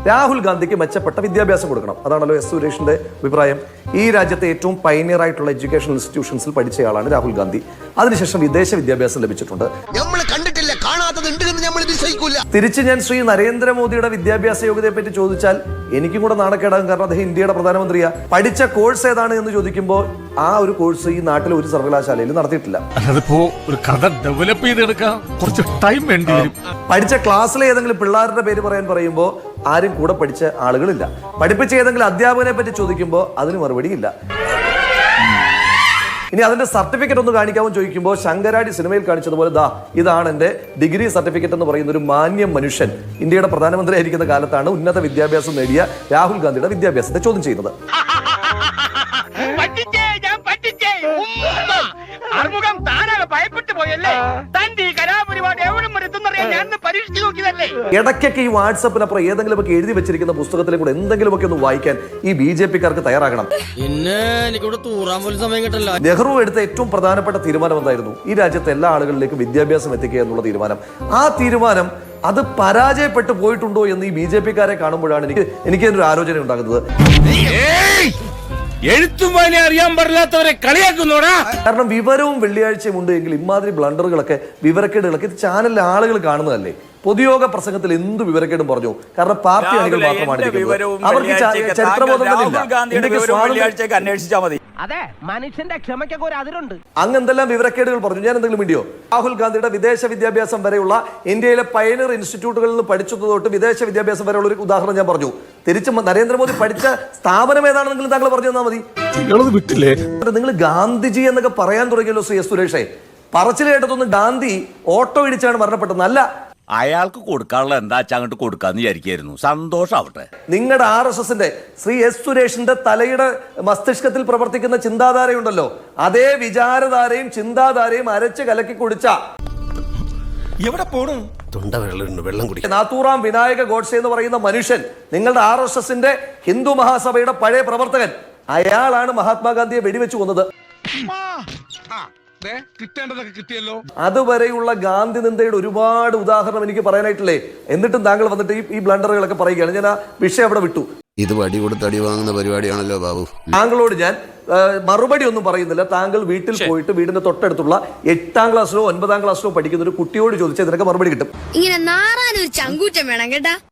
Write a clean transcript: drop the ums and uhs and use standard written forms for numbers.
രാഹുൽ ഗാന്ധിക്ക് മെച്ചപ്പെട്ട വിദ്യാഭ്യാസം കൊടുക്കണം. അതാണല്ലോ എസ് സുരേഷിന്റെ അഭിപ്രായം. ഈ രാജ്യത്തെ ഏറ്റവും പൈനിയർ ആയിട്ടുള്ള എഡ്യൂക്കേഷണൽ ഇൻസ്റ്റിറ്റ്യൂഷൻസിൽ പഠിച്ചയാളാണ് രാഹുൽ ഗാന്ധി. അതിനുശേഷം വിദേശ വിദ്യാഭ്യാസം ലഭിച്ചിട്ടുണ്ട്. തിരിച്ച് ഞാൻ ശ്രീ നരേന്ദ്രമോദിയുടെ വിദ്യാഭ്യാസ യോഗ്യതയെ പറ്റി ചോദിച്ചാൽ എനിക്കും കൂടെ നാണക്കേടാകും. കാരണം അദ്ദേഹം ഇന്ത്യയുടെ പ്രധാനമന്ത്രിയാ. പഠിച്ച കോഴ്സ് ഏതാണ് എന്ന് ചോദിക്കുമ്പോൾ ആ ഒരു കോഴ്സ് ഈ നാട്ടിലെ ഒരു സർവകലാശാലയിൽ നടത്തിയിട്ടില്ല. അതിപ്പോ ഒരു കഥ ഡെവലപ്പ് ചെയ്തെടുക്കാൻ കുറച്ച് ടൈം വേണ്ടി വരും. പഠിച്ച ക്ലാസ്സിലെ ഏതെങ്കിലും പിള്ളേരുടെ പേര് പറയുമ്പോൾ ആരും കൂടെ പഠിച്ച ആളുകളില്ല. പഠിപ്പിച്ച ഏതെങ്കിലും അധ്യാപകനെ പറ്റി ചോദിക്കുമ്പോൾ അതിന് മറുപടിയില്ല. ഇനി അതിന്റെ സർട്ടിഫിക്കറ്റ് ഒന്ന് കാണിക്കാമെന്ന് ചോദിക്കുമ്പോൾ ശങ്കരാടി സിനിമയിൽ കാണിച്ചതുപോലെ ഇതാണ് എന്റെ ഡിഗ്രി സർട്ടിഫിക്കറ്റ് എന്ന് പറയുന്ന ഒരു മാന്യം മനുഷ്യൻ ഇന്ത്യയുടെ പ്രധാനമന്ത്രി ആയിരിക്കുന്ന കാലത്താണ് ഉന്നത വിദ്യാഭ്യാസം നേടിയ രാഹുൽ ഗാന്ധിയുടെ വിദ്യാഭ്യാസത്തെ ചോദ്യം ചെയ്യുന്നത്. ഇടയ്ക്കൊക്കെ ഈ വാട്സപ്പിനപ്പുറം ഏതെങ്കിലുമൊക്കെ എഴുതി വെച്ചിരിക്കുന്ന പുസ്തകത്തിലെ കൂടെ എന്തെങ്കിലുമൊക്കെ ഒന്ന് വായിക്കാൻ ഈ BJP-ക്കാർക്ക് തയ്യാറാകണം. നെഹ്റു എടുത്ത ഏറ്റവും പ്രധാനപ്പെട്ട തീരുമാനം എന്തായിരുന്നു? ഈ രാജ്യത്തെ എല്ലാ ആളുകളിലേക്കും വിദ്യാഭ്യാസം എത്തിക്കുക എന്നുള്ള തീരുമാനം. ആ തീരുമാനം അത് പരാജയപ്പെട്ടു പോയിട്ടുണ്ടോ എന്ന് ഈ BJP-ക്കാരെ കാണുമ്പോഴാണ് എനിക്ക് ഒരു ആലോചന ഉണ്ടാകുന്നത്. എഴുത്തുമാനെ അറിയാൻ പാടില്ലാത്തവരെ കളിയാക്കുന്നോടാ. കാരണം വിവരവും വെള്ളിയാഴ്ചയും ഉണ്ട് എങ്കിൽ ഇമാതിരി ബ്ലണ്ടറുകളൊക്കെ, വിവരക്കേടുകളൊക്കെ ഇത് ചാനലിലെ ആളുകൾ കാണുന്നതല്ലേ? പൊതുയോഗ പ്രസംഗത്തിൽ എന്ത് വിവരക്കേടും പറഞ്ഞു. കാരണം പാർട്ടി അണികൾ മാത്രമാണ് അവർക്ക് ചരിത്രബോധം അന്വേഷിച്ചാൽ മതി. അതെ, മനുഷ്യന്റെ ക്ഷമയ്ക്കൊക്കെ ഒരു അതിരുണ്ട്. അങ്ങ് എന്തെല്ലാം വിവരക്കേടുകൾ പറഞ്ഞു. ഞാൻ എന്തെങ്കിലും വീഡിയോ രാഹുൽ ഗാന്ധിയുടെ വിദേശ വിദ്യാഭ്യാസം വരെയുള്ള ഇന്ത്യയിലെ പയനീർ ഇൻസ്റ്റിറ്റ്യൂട്ടുകളിൽ നിന്ന് പഠിച്ചത് തൊട്ട് വിദേശ വിദ്യാഭ്യാസം വരെയുള്ള ഒരു ഉദാഹരണം ഞാൻ പറഞ്ഞു. തിരിച്ച് നരേന്ദ്രമോദി പഠിച്ച സ്ഥാപനം ഏതാണെന്നെങ്കിലും താങ്കൾ പറഞ്ഞു തന്നാൽ മതി. വിട്ടില്ലേ? നിങ്ങൾ ഗാന്ധിജി എന്നൊക്കെ പറയാൻ തുടങ്ങിയല്ലോ ശ്രീ എസ് സുരേഷേ. പറച്ചിൽ കേട്ടതൊന്നും ഗാന്ധി ഓട്ടോ ഇടിച്ചാണ് മരണപ്പെട്ടതെന്നല്ല. അയാൾക്ക് കൊടുക്കാനുള്ള എന്താ അങ്ങോട്ട് കൊടുക്കാന്ന് വിചാരിക്കായിരുന്നു. സന്തോഷാവട്ടെ. നിങ്ങളുടെ RSSന്റെ ശ്രീ എസ് സുരേഷിന്റെ തലയുടെ മസ്തിഷ്കത്തിൽ പ്രവർത്തിക്കുന്ന ചിന്താധാരയുണ്ടല്ലോ, അതേ വിചാരധാരയും ചിന്താധാരയും അരച്ച് കലക്കി കുടിച്ച എവിടെ പോണു വെള്ളം കുടി നാത്തൂറാം വിനായക ഗോഡ്സെ എന്ന് പറയുന്ന മനുഷ്യൻ, നിങ്ങളുടെ RSSന്റെ ഹിന്ദു മഹാസഭയുടെ പഴയ പ്രവർത്തകൻ, അയാളാണ് മഹാത്മാഗാന്ധിയെ വെടിവെച്ചു കൊന്നത്. കിട്ടേണ്ടതൊക്കെ കിട്ടിയല്ലോ. അതുവരെയുള്ള ഗാന്ധി നിന്ദയുടെ ഒരുപാട് ഉദാഹരണം എനിക്ക് പറയാനായിട്ടില്ലേ? എന്നിട്ടും താങ്കൾ വന്നിട്ട് ഈ ബ്ലണ്ടറുകളൊക്കെ പറയുകയാണ്. ഞാൻ ആ വിഷയം അവിടെ വിട്ടു. ഇത് വടി കൊടുത്ത് അടി വാങ്ങുന്ന പരിപാടിയാണല്ലോ ബാബു. താങ്കളോട് ഞാൻ മറുപടി ഒന്നും പറയുന്നില്ല. താങ്കൾ വീട്ടിൽ പോയിട്ട് വീടിന്റെ തൊട്ടടുത്തുള്ള 8ാം ക്ലാസ്സിലോ 9ാം ക്ലാസ്സിലോ പഠിക്കുന്ന ഒരു കുട്ടിയോട് ചോദിച്ചാൽ ഇതിനൊക്കെ മറുപടി കിട്ടും. ഇങ്ങനെ നാറാനൊരു ചങ്കൂറ്റം വേണം കേട്ടാ.